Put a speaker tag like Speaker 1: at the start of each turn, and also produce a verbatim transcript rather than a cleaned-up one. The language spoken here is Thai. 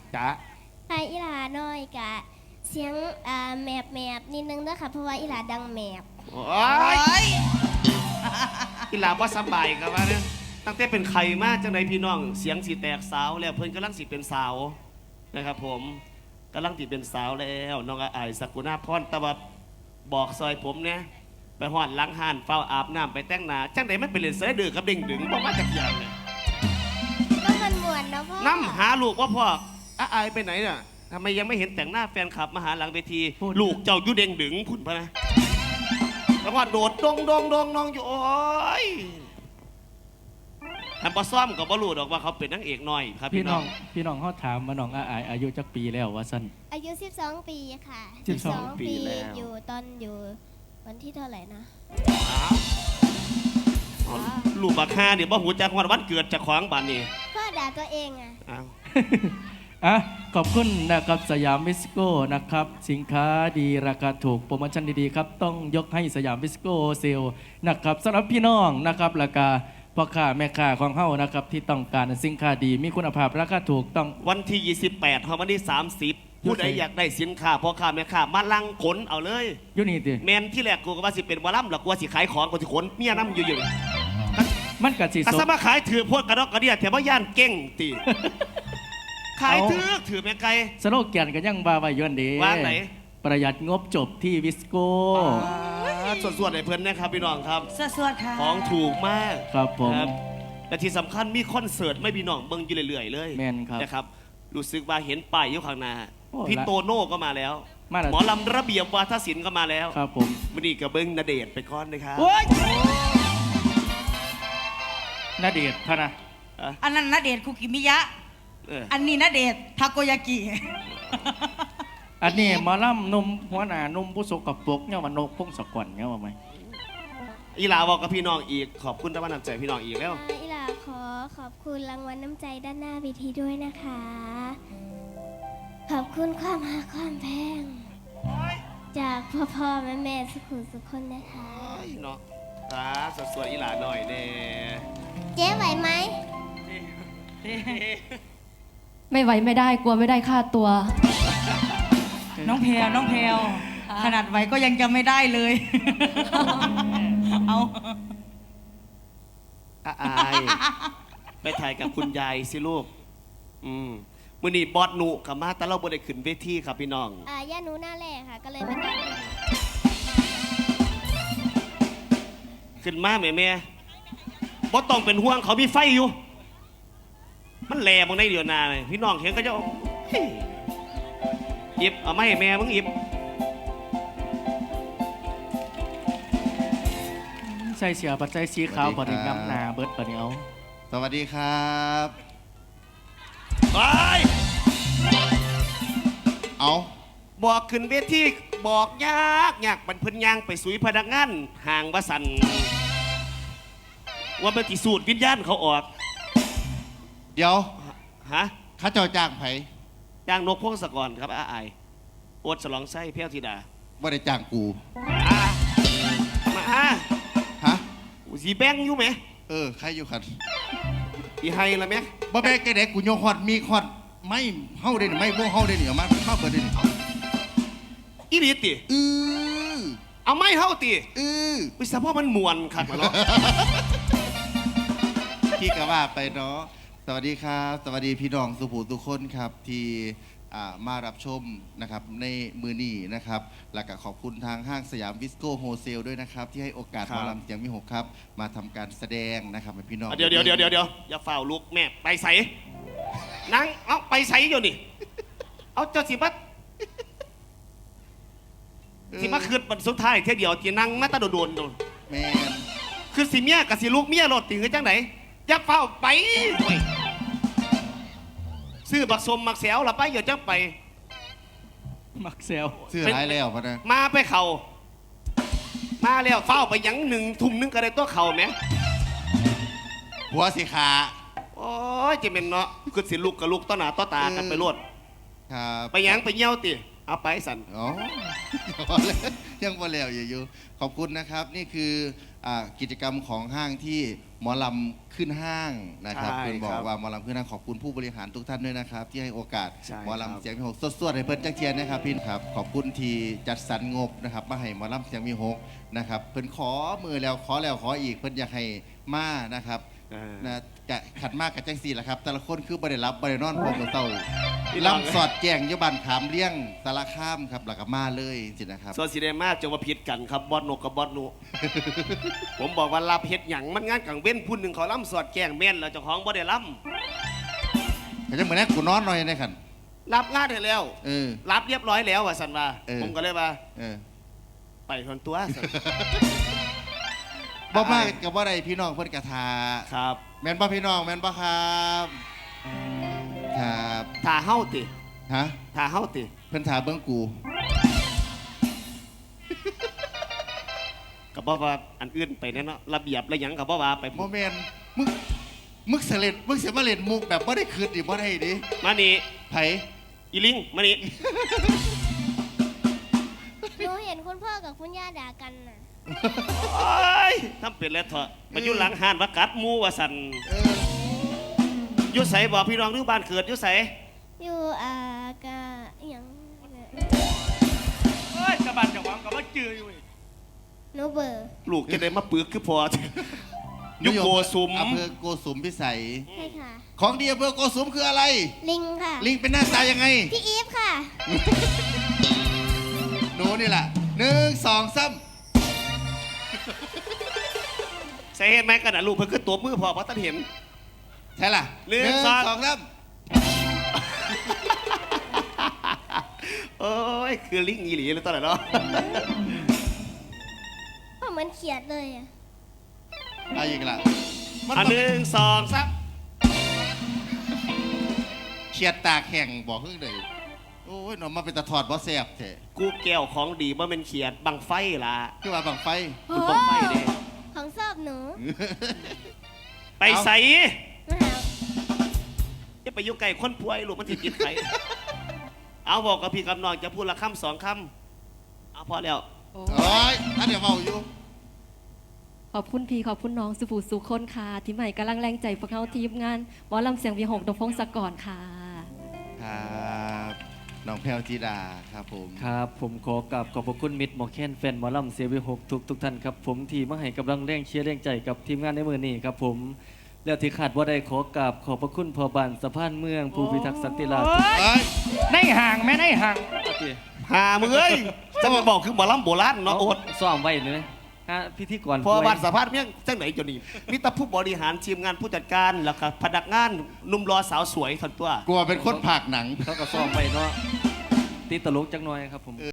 Speaker 1: จ้า
Speaker 2: ไออีหลาน้อยกะเสียงอ่าแมบแมบนิดนึงนะคะเพราะว่าอีหลาดังแมบ
Speaker 1: โอ้ยอีหลาว่าสบายกับว่าเนี่ยตั้งแต่เป็นไข่มากจังใดพี่น้องเสียงสีแตกสาวแล้วเพิ่นกำลังสิเป็นสาวนะครับผมกำลังสิเป็นสาวแล้วน้องอายสกุณาพรตะวับบอกซอยผมเนี่ยไปหอดล้างห่านเฝ้าอาบน้ำไปแต่งหน้าจังใดมันเป็นเล่นเสือดื้อกับเด้งดึงบอกว่าจากอย่างเนี่ย
Speaker 2: ก็มันมวนเนาะพ่อ
Speaker 1: น้ำหาลูกว่าพ่ออายไปไหนน่ะทำไมยังไม่เห็นแต่งหน้าแฟนคลับมาหาหลังเวทีลูกเจ้ายุเด้งดึงผุนพะนะแล้วว่าโดดดงดงดงน้องอยู่โอ้ยทำปลาซ่อมกับบอลูดอกว่าเขาเป็นนางเอกหน่อยครับ
Speaker 3: พี่
Speaker 1: พี่น้อง
Speaker 3: พี่น้องเขาถามมาน้องอาอายอายุจักปีแล้ววะสั้น
Speaker 2: อายุสิบสองปีค่ะ
Speaker 3: สิบสอง
Speaker 2: ปีอยู่ตอนอยู่วันที่เท่าไหร่นะ
Speaker 1: ลูกบักฮาเดี๋ยวบ่หูจักวันวันเกิดจากของบ้านนี่
Speaker 2: พ่อด่าตัวเองอ่ะ
Speaker 3: อ่ะขอบคุณนะครับสยามวิสโก้นะครับสินค้าดีราคาถูกโปรโมชั่นดีๆครับต้องยกให้สยามวิสโก้เซลนะครับสำหรับพี่น้องนะครับราคาพ่อค้าแม่ค้าของเฮานะครับที่ต้องการสินค้าดีมีคุณภาพราคาถูกต้อง
Speaker 1: วันที่ยี่สิบแปดถึงวันที่สามสิบผู้ใดอยากได้สินค้าพ่อค้าแม่ค้ามาลังขนเอาเลย
Speaker 3: อยู่นี่ติ
Speaker 1: แมนที่แรกกูก็ว่าสิเป็นวอลลัมหรอกกูว่าสิขายของกูสิขนเมียน้ำอยู่อยู่
Speaker 3: มันกัดสิ
Speaker 1: สสมาขายถือพวกกระดอกกระเดียแถวบ้านย่านเก่งตีขายถือถือแม่ไก่
Speaker 3: สโลแกนกันยังบาไว้ย้อนดี
Speaker 1: ว่าไหน
Speaker 3: ประหยัดงบจบที่วิสโก้
Speaker 1: ส่วนๆในเพื่อนนะครับพี่น้องครับ
Speaker 4: ส่วนๆค่ะ
Speaker 1: ของถูกมาก
Speaker 3: ครับผม
Speaker 1: และที่สำคัญมีคอนเสิร์ตไม่พี่น้องเบิ่งอยู่เรื่อยๆเลย
Speaker 3: แม่นครับ
Speaker 1: นะครับรู้สึกว่าเห็นป้ายอยู่ข้างหน้าพี่โตโน่ก็มาแล้วหมอลำระเบียบวาทศิลป์ก็มาแล้ว
Speaker 3: ครับผม
Speaker 1: วันนี้กับเบิ้งณเดชน์ไปก้อนนะครับ
Speaker 3: ณเดชน์พะนะ
Speaker 4: อันนั้นณเดชน์คุกิมิยะอันนี้ณเดชน์ทาโกยากิ
Speaker 3: อันนี้หมอลำนุ่มหัวหน้านุ่มผู้สกปรกเนี่ยมันนกพงศกรเนี่ยว่าไหม
Speaker 1: อีหลาบอกกับพี่น้องอีกขอบคุณที่มาน้ำใจพี่น้องอีกแล้ว
Speaker 2: อีหลาขอขอบคุณรางวัลน้ำใจด้านหน้าเวทีด้วยนะคะขอบคุณความหาความแพงจากพ่อพ่อแม่แม่สุขุมสุขคนนะคะ
Speaker 1: เนาะครับสวยๆอีหลาหน่อยเน่
Speaker 2: เจ๊ไหวไหม
Speaker 5: ไม่ไหวไม่ได้กลัวไม่ได้ค่าตัว
Speaker 4: น้องแพรน้องแพรขนาดไหวก็ยังจะไม่ได้เลยเอา
Speaker 1: อายไปถ่ายกับคุณยายสิลูกอืมมื่อนี้บอสหนูกับมาแต่เราบ่ได้ขึ้นเวทีครับพี่น้อง
Speaker 2: อ่าย่าหนูหน้าแรกค่ะก็เลยมาได้
Speaker 1: ขึ้นมาแม่แม่บอสต้องเป็นห่วงเขามีไฟอยู่มันแหลบางในเดียวนาเลยพี่น้องเห็นก็จะอิบเอาไม่แม่มึงอิบ
Speaker 3: ใส่เสียปัจจัยสีขาวปฏิกรรมนาเบิร์ดปะเนียว
Speaker 6: สวัสดีครับ
Speaker 1: ไป
Speaker 6: เอา
Speaker 1: บอกขึ้นเวทีบอกยากยากบรรพนยางไปสุยพนักงานห่างวสันว่ามันติสูตรวิญญาณเขาออก
Speaker 6: เดี๋ยว
Speaker 1: ฮะ
Speaker 6: ข้าเจ้าจ้างไผ
Speaker 1: จ้างนกพงศกรครับอาไอโอดฉลองไส้เพี้ยวธิดา
Speaker 6: ว่าได้จ้างกู
Speaker 1: มาฮะ
Speaker 6: ฮะ
Speaker 1: สีแบงอยู่ไหม
Speaker 6: เออใครอยู่ขัน
Speaker 1: อีไฮละไหม
Speaker 6: บ่แบงแกเด็กกูโยฮอดมีฮอดไม่เฮาได้หนิไม่บ่เฮาได้หนิเอามาเข้าเปิดได้หนิ
Speaker 1: อีดีติ
Speaker 6: อือ
Speaker 1: เอาไม่เฮาติ
Speaker 6: อือ
Speaker 1: วิสาพ่อมันมวนขัดมาเนาะ
Speaker 6: พี่ก็ว่าไปเนาะสวัสดีครับสวัสดีพี่น้องสุภูทุกคนครับที่มารับชมนะครับในมือนี้นะครับและก็ขอบคุณทางห้างสยามวิสโก้โฮเซลด้วยนะครับที่ให้โอกาสหมอลำเสียงมิหกครับมาทำการแสดงนะครับให้พี่น้อง
Speaker 1: เดี๋ยวเดี๋ยวเดี๋ยวเดี๋ยวเดี๋ยวอย่าฝ่าลุกแม่ไปใส่นั่งเอาไปใส่อยู่นี่เอาเจ้าสิบัดสิมาคืนวันสุดท้ายเที่ยวเดียวจีนั่งมาตาโดนโดนโดน
Speaker 6: แม่
Speaker 1: คือสิเมียกับสิลูกเมียรถติ่งกันจังไหนอย่าเฝ้าไปซื้อบักสมมักแซวละไปอย่าจังไป
Speaker 3: มักแซว
Speaker 6: ซื้อหลายแล้วพะนะ
Speaker 1: มาไปเข่ามาแล้วเฝ้าไปยังหนึ่งทุ่มนึงก็ได้ตัวเข่าไหม
Speaker 6: หัวสีขา
Speaker 1: โอ้ยจะเป็นเนาะคือสิลูกกับลูกต้อหนาต้อตากันไปรวด
Speaker 6: ครับ
Speaker 1: ไปยังไปเยี่ยวติเอาไปสัน
Speaker 6: อ๋อยังบ่แล้วอยู่ขอบคุณนะครับนี่คืออ่ากิจกรรมของห้างที่หมอลำขึ้นห้างนะครับ
Speaker 1: ใช่
Speaker 6: เพื่อนบอ
Speaker 1: ครั
Speaker 6: ก
Speaker 1: บ
Speaker 6: ว่าหมอลำขึ้นห้างขอบคุณผู้บริหารทุกท่านด้วยนะครับ ที่ให้โอกาส
Speaker 1: ใช่
Speaker 6: หมอ
Speaker 1: ครับ
Speaker 6: ลำเสียงมีหกสวดๆให้เพื่อนจักเทียนนะครับพี่ครับขอบคุณที่จัดสรรงบนะครับมาให้หมอลำเสียงมีหกนะครับเพื่อนขอมือแล้วขอแล้วขออีกเพื่อนอยากให้มานะครับ
Speaker 1: เออ
Speaker 6: นะกะขัดมากกับจังสี่แหละครับแต่ละคนคือบ่ได้รับบ่ได้นอนพร้อมกับเต้า
Speaker 1: พี่น้อง
Speaker 6: ลำสอดแจ้งอยบันขามเลี้ยงสารข้ามครับหลักมาเลยสินะครับ
Speaker 1: ส่วนสีแดงมาจะมาผิดกันครับบอสนกกับบอสหนู ผมบอกว่ารับเฮ็ดหยังมันงานกลางเว้นผู้หนึ่งเขาล่ำสอดแกล้งแม่นแล้วเจ้าของบ่ได้ล่
Speaker 6: แต่จะเหมือนนั้นกูนอนหน่อยนะครับ
Speaker 1: ำรับงานให้แล้ว
Speaker 6: เออ
Speaker 1: รับเรียบร้อยแล้วว่าสันว่า
Speaker 6: เออ
Speaker 1: ผมก็เลยว่า
Speaker 6: เออ
Speaker 1: ไปทนตัวสัน
Speaker 6: บ่มากกับว่าใดพี่น้องเพิ่นกระทา
Speaker 1: ครับ
Speaker 6: แม่นบ่พี่น้องแม่นบ่ครับครับ
Speaker 1: ถ้าเฮาติ
Speaker 6: ฮะ
Speaker 1: ถ้าเฮาติ
Speaker 6: เพิ่นถาเบิ่งกู
Speaker 1: ก็บ่ว่าอันอื่นไปแน่เนาะระเบียบระหยังก็บ่ว่าไป
Speaker 6: บ่แม่นมึงมึงเสเล่นมึงสิมาเล่นมุกแบบบ่ได้คืนดิบ่ได้ดิ
Speaker 1: มานี่
Speaker 6: ไผ
Speaker 1: อีลิงมานี่
Speaker 2: หนูเห็นคุณพ่อกับคุณย่าด่ากันน่ะ
Speaker 1: โอ้ยทำเป็นแล้วเถอะมาอยู่หลังห้านว่ากัดหมูว่าสัน
Speaker 6: เออ
Speaker 1: อยู่ไสบอกพี่น้องหรือบ้านเกิดอยู่ไส
Speaker 2: อยู่อ่ากะอหย่าง
Speaker 3: เฮ้ยกระบาดจะวางกับว่าจืออยู่อีก
Speaker 2: หนูเบอร์
Speaker 1: ลูกจะได้มาปึกคือพอ อยู่โกสุม
Speaker 6: อำเภอโกสุมพิสัย
Speaker 2: ใช่ค่ะ
Speaker 6: ของดีอำเภอโกสุมคืออะไร
Speaker 2: ลิงค่ะ
Speaker 6: ลิงเป็นหน้าตายังไง
Speaker 2: พี่อีฟค่ะ
Speaker 6: หนูนี่แหละหนึ่งสองสาม
Speaker 1: ใส่เห็นไหมกันนะลูกเพิ่นคือตัวมือพอเพราะท่านเห็น
Speaker 6: ใช่ล่ะ
Speaker 1: หนึ่งสอง
Speaker 6: สองสาม
Speaker 1: โอ้ยคือลิงอีหลีเลยตอนไหนเนาะ
Speaker 2: พ่อเหมือนเขียดเลยอ่ะ
Speaker 6: อะไรอีกล่ะมัน
Speaker 1: อันหนึ่งสองสาม
Speaker 6: เฉียดตากแข่งบอกเพิ่งเลยโอ้ยหนอมาเป็นตะถอดบ่แสบแท้
Speaker 1: กูแก้วของดีว่าเป็นเขียดบังไฟล่ะ
Speaker 6: คือว่าบังไฟ
Speaker 1: มันบังไฟเด้
Speaker 2: ของชอบหนู
Speaker 1: ไปใส่
Speaker 2: มาหา
Speaker 1: จะไปอยุ่งไก่คนป่วยลูกมันติดติดไข่เอาบอกกับพี่กับน้องจะพูดละคำสองคำเอาพอแล้ว
Speaker 5: โอ้
Speaker 6: โอ้ยถ้าเดี๋ยวเมาอยู่
Speaker 5: ขอบคุณพี่ขอบคุณน้องสุภูสุคนค่ะ ที่ใหม่กำลังแรงใจพวกเขาทีมงานหมอลำเสียงวีหกดงพงศกรค่ะ
Speaker 6: ครับน้องแพลวจีดาครับผม
Speaker 3: ครับผมขอกราบขอบพระคุณมิตรหมอแคนแฟนหมอลำเสียวิหกทุกทุกท่านครับผมที่มาให้กำลังแรงเชียร์แรงใจกับทีมงานในมือนี้ครับผมแล้วที่ขาดว่าได้ขอกราบขอบพระคุณพ่อบานสะพานเมืองผู้พิทักษ์สันติราษฎร์
Speaker 6: เอ้ย
Speaker 4: ในห่างแม่ในห่าง
Speaker 1: หามึงเอ้ยจะมาบอกคือหมอลำโบราณเนาะโอด
Speaker 3: ซ้อมไว้เลยนะฮะพิธีกร
Speaker 1: พอ
Speaker 3: ป่วย
Speaker 1: วันสัมภาษณ์เมี่ยงจังไหนจนนี่มิตรผู้บริหารทีมงานผู้จัดการแล้วก็พนักงานหนุ่มรอสาวสวยทันตัว
Speaker 6: กลัวเป็นคนผากหนัง
Speaker 3: เขาก็ซ้อมไว้เนาะตีตลกจังหน่อยครับผม